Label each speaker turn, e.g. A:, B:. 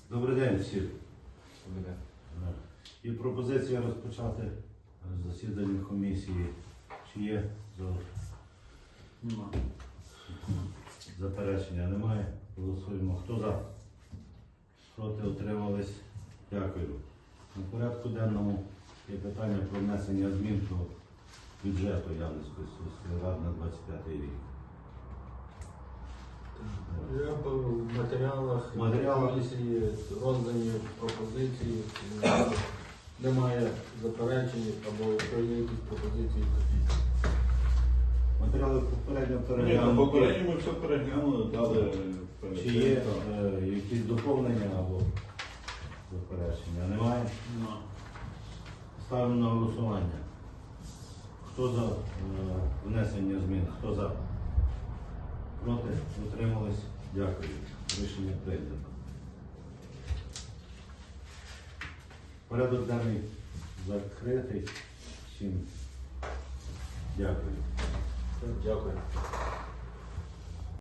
A: Добрий день всім.
B: Добрий день.
A: Є пропозиція розпочати засідання комісії. Чи є заперечення? Немає. Голосуємо. Хто за? Проти? Утримались? Дякую. На порядку денному є питання про внесення змін до бюджету Явницької сільської ради на 25 рік.
C: Я в матеріалах комісії роздані пропозиції, немає заперечень або якщо є якісь пропозиції, то
A: Матеріали попередньо
B: Ні,
A: переглянули.
B: попередньо ми все переглянули, дали
A: Чи є якісь доповнення або заперечення? Немає? Ставимо на голосування. Хто за внесення змін? Хто за? Проти? Утримались? Дякую. Рішення прийнято. Порядок денний закритий. Всім дякую.
C: дякую.